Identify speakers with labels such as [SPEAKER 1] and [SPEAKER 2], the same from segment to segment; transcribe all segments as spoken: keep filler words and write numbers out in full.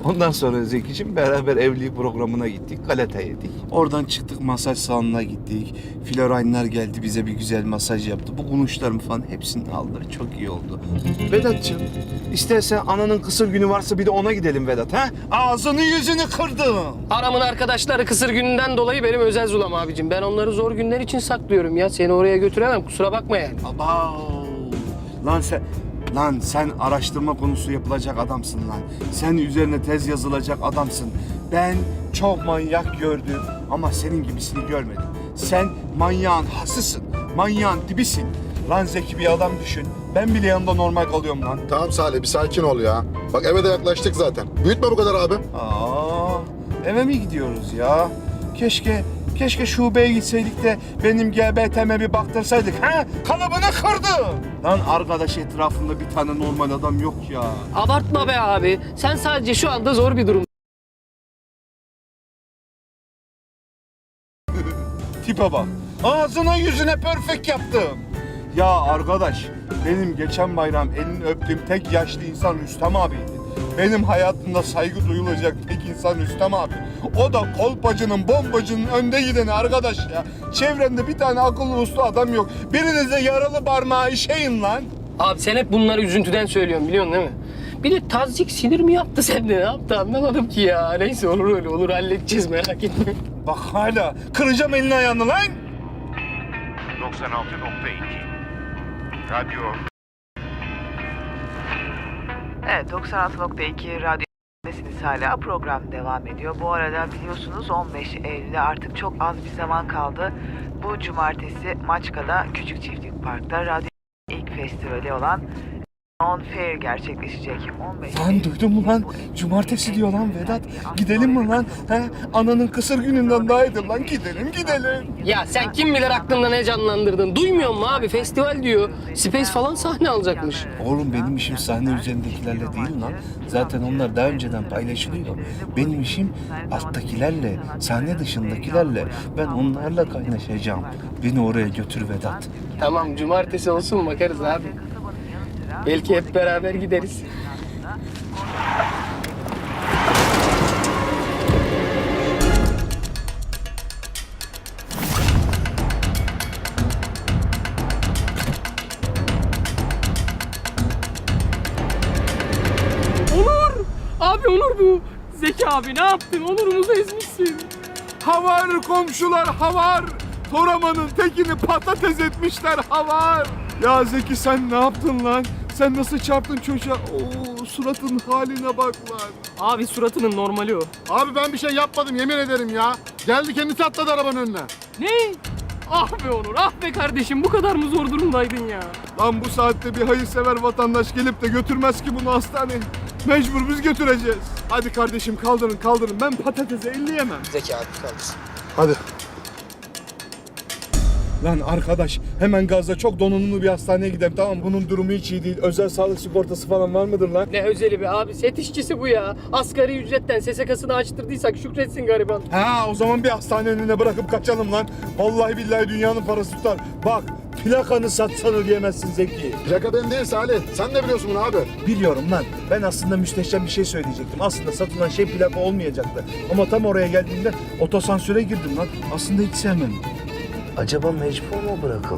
[SPEAKER 1] Ondan sonra Zeki'cim beraber evlilik programına gittik. Galeta yedik. Oradan çıktık, masaj salonuna gittik. Floraynlar geldi, bize bir güzel masaj yaptı. Bu kulunçlarımı falan hepsini aldılar. Çok iyi oldu. Vedat'cığım, istersen ananın kısır günü varsa bir de ona gidelim Vedat, ha? Ağzını yüzünü kırdım.
[SPEAKER 2] Aramın arkadaşları kısır gününden dolayı benim özel zulam abicim. Ben onları zor günler için saklıyorum ya. Seni oraya götüremem, kusura bakma yani.
[SPEAKER 1] Aba! Lan sen... Lan sen araştırma konusu yapılacak adamsın lan. Sen üzerine tez yazılacak adamsın. Ben çok manyak gördüm ama senin gibisini görmedim. Sen manyağın hasısın, manyağın dibisin. Lan Zeki bir adam düşün. Ben bile yanında normal kalıyorum lan.
[SPEAKER 3] Tamam Salih bir sakin ol ya. Bak eve de yaklaştık zaten. Büyütme bu kadar abi.
[SPEAKER 1] Aa, eve mi gidiyoruz ya? Keşke, keşke şubeye gitseydik de benim G B T'me bir baktırsaydık. Ha? Kalıbını kırdı. Lan arkadaş etrafında bir tane normal adam yok ya.
[SPEAKER 2] Abartma be abi. Sen sadece şu anda zor bir durum.
[SPEAKER 1] Tipe bak. Ağzına yüzüne perfect yaptım. Ya arkadaş, benim geçen bayram elini öptüğüm tek yaşlı insan Rüstem abiydi. Benim hayatımda saygı duyulacak tek insan Rüstem abi. O da kolpacının, bombacının önde gideni arkadaş ya. Çevrende bir tane akıllı uslu adam yok. Birinize yaralı parmağı işeyin lan.
[SPEAKER 2] Abi sen hep bunları üzüntüden söylüyorsun biliyorsun değil mi? Bir de tazyik sinir mi yaptı sende, ne yaptı anlamadım ki ya. Neyse olur öyle olur, halledeceğiz, merak etme.
[SPEAKER 1] Bak hala kıracağım elini ayağını lan.
[SPEAKER 4] doksan altı nokta iki Radyo.
[SPEAKER 5] Evet, doksan altı nokta iki radyodasınız hala. Program devam ediyor. Bu arada biliyorsunuz on beş Eylül'e artık çok az bir zaman kaldı. Bu cumartesi Maçka'da Küçük Çiftlik Park'ta radyo ilk festivali olan On Fair gerçekleşecek. on beş
[SPEAKER 1] Lan duydun mu lan? Cumartesi diyor lan Vedat. Gidelim mi lan? He? Ananın kısır gününden daha iyidir lan. Gidelim gidelim.
[SPEAKER 2] Ya sen kim bilir aklında ne canlandırdın? Duymuyor musun abi? Festival diyor. Space falan sahne alacakmış.
[SPEAKER 1] Oğlum benim işim sahne üzerindekilerle değil lan. Zaten onlar daha önceden paylaşılıyor. Benim işim alttakilerle, sahne dışındakilerle. Ben onlarla kaynaşacağım. Beni oraya götür Vedat.
[SPEAKER 2] Tamam, cumartesi olsun, bakarız abi. Belki hep beraber gideriz. Onur! Abi Onur bu. Zeki abi ne yaptın? Onur'umuzu ezmişsin.
[SPEAKER 1] Havar komşular havar. Toraman'ın tekini patates etmişler havar. Ya Zeki sen ne yaptın lan? Sen nasıl çarptın çocuğa? Oo, suratın haline bak lan.
[SPEAKER 2] Abi suratının normali o.
[SPEAKER 3] Abi ben bir şey yapmadım yemin ederim ya. Geldi kendisi atladı arabanın önüne.
[SPEAKER 2] Ne? Ah be Onur, ah be kardeşim, bu kadar mı zor durumdaydın ya?
[SPEAKER 1] Lan bu saatte bir hayırsever vatandaş gelip de götürmez ki bunu hastaneye. Mecbur biz götüreceğiz. Hadi kardeşim kaldırın kaldırın. Ben patatese elleyemem.
[SPEAKER 2] Zeki abi kaldırsın.
[SPEAKER 3] Hadi.
[SPEAKER 1] Lan arkadaş hemen gazla çok donanımlı bir hastaneye gidelim tamam mı? Bunun durumu hiç iyi değil. Özel sağlık sigortası falan var mıdır lan?
[SPEAKER 2] Ne özeli be abi, set işçisi bu ya. Asgari ücretten S S K'sını açtırdıysak şükretsin gariban.
[SPEAKER 1] Ha o zaman bir hastane önüne bırakıp kaçalım lan. Vallahi billahi dünyanın parası tutar. Bak plakanı satsan ödeyemezsin Zeki.
[SPEAKER 3] Plaka ben değil Salih. Sen ne biliyorsun bunu abi?
[SPEAKER 1] Biliyorum lan. Ben aslında müsteşem bir şey söyleyecektim. Aslında satılan şey plaka olmayacaktı. Ama tam oraya geldiğimde otosansöre girdim lan. Aslında hiç sevmem. Acaba mecbur mu bırakıldı?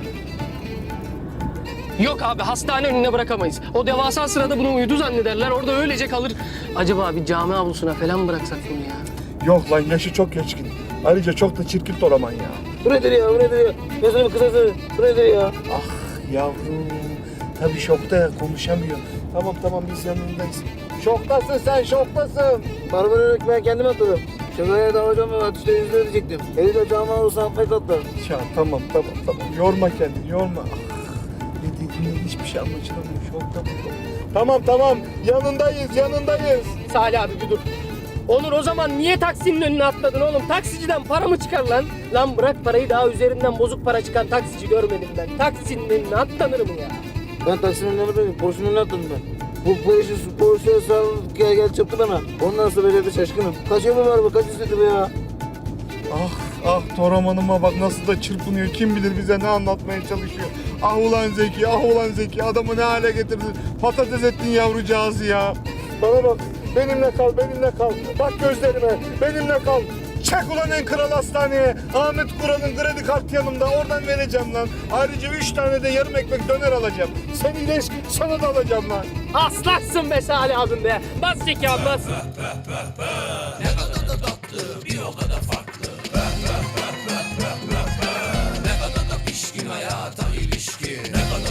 [SPEAKER 2] Yok abi, hastane önüne bırakamayız. O devasa sırada bunu uyudu zannederler, orada öylece kalır. Acaba bir cami avlusuna falan bıraksak bunu ya?
[SPEAKER 1] Yok lan yaşı çok geçkin. Ayrıca çok da çirkin Toraman ya.
[SPEAKER 2] Bu nedir ya, bu nedir ya? Gözünü kısası, bu nedir ya?
[SPEAKER 1] Ah yavrum. Tabii şokta ya konuşamıyor. Tamam tamam biz yanındayız. Şoktasın sen şoktasın.
[SPEAKER 6] Barbarı ben kendim atladım. Şakaya da hocam ve atışta yüzde ödeyecektim. Eli de cama olursa affet atlar.
[SPEAKER 1] Ya tamam tamam tamam yorma kendini yorma. Ah, ne dediğine hiçbir şey anlaşılamıyor. Şokta bu. Tamam tamam yanındayız yanındayız.
[SPEAKER 2] Salih abi bir dur. Onur o zaman niye taksinin önüne atladın oğlum? Taksiciden para mı çıkar lan? Lan bırak parayı, daha üzerinden bozuk para çıkan taksici görmedim ben. Taksinin önüne atlanır mı ya?
[SPEAKER 6] Ben taksinin önüne atladım. Porsche'nin önüne atladım ben. Bu Porsche, Porsche sağ gel gel çarptı bana. Ondan sonra böyle bir şaşkınım. Kaç yolu var bu? Kaç istedi bu ya?
[SPEAKER 1] Ah ah Toraman'ıma bak nasıl da çırpınıyor. Kim bilir bize ne anlatmaya çalışıyor. Ah ulan Zeki ah ulan Zeki adamı ne hale getirdin. Patates ettin yavrucağızı ya.
[SPEAKER 6] Bana bak.
[SPEAKER 1] Benimle kal, benimle kal. Bak gözlerime, benimle kal. Çek ulan en kral hastaneye. Ahmet Kural'ın kredi kartı yanımda. Oradan vereceğim lan. Ayrıca üç tane de yarım ekmek döner alacağım. Sen iyileş, sana da alacağım lan.
[SPEAKER 2] Aslaksın be Salih abim be. Bas zeka bas.